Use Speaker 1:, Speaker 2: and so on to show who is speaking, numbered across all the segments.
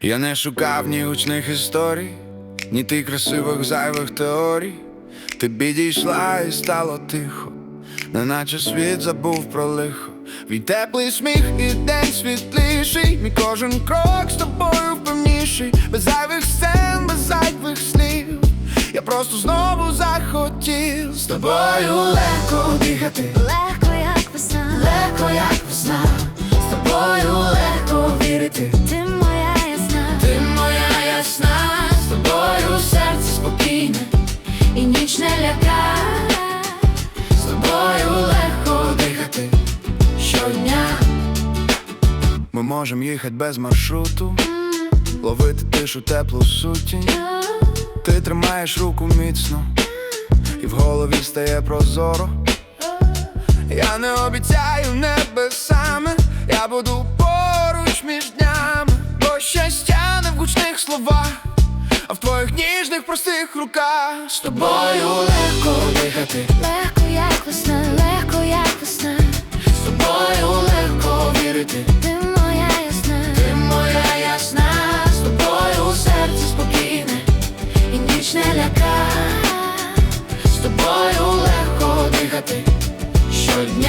Speaker 1: Я не шукав ні гучних історій, ні ти красивих зайвих теорій. Ти підійшла і стало тихо, неначе світ забув про лихо. Твій теплий сміх і день світліший, мій кожен крок з тобою впевніший. Без зайвих сцен, без зайвих слів, я просто знову захотів з тобою легко дихати,
Speaker 2: легко як весна,
Speaker 1: легко як весна. З тобою легко вірити,
Speaker 2: ти моя ясна,
Speaker 1: ти моя ясна. З тобою серце спокійне
Speaker 2: і ніч не лякає.
Speaker 1: з тобою легко дихати щодня. Ми можемо їхати без маршруту, ловити тишу, теплу сутінь. Ти тримаєш руку міцно, і в голові стає прозоро. Я не обіцяю небесами, я буду поруч між днями. Бо щастя не в гучних словах, а в твоїх ніжних простих руках. З тобою легко дихати,
Speaker 2: Легко як весна, легко як весна.
Speaker 1: з тобою легко вірити,
Speaker 2: Ти моя ясна,
Speaker 1: ти моя ясна. З тобою серце спокійне
Speaker 2: і ніч не лякає.
Speaker 1: з тобою легко дихати щодня.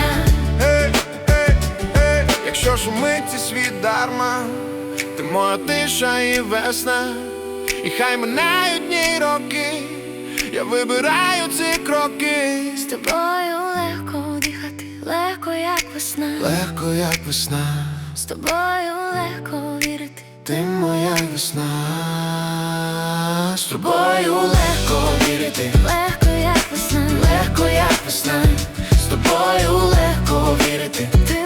Speaker 1: Якщо шумить цей світ дарма, ти моя тиша і весна. І хай минають дні й роки, я вибираю ці кроки.
Speaker 2: З тобою легко дихати, легко як весна.
Speaker 1: Легко як весна,
Speaker 2: З тобою легко вірити,
Speaker 1: ти моя весна. З тобою легко вірити,
Speaker 2: легко як весна,
Speaker 1: легко як весна. З тобою легко вірити,
Speaker 2: ти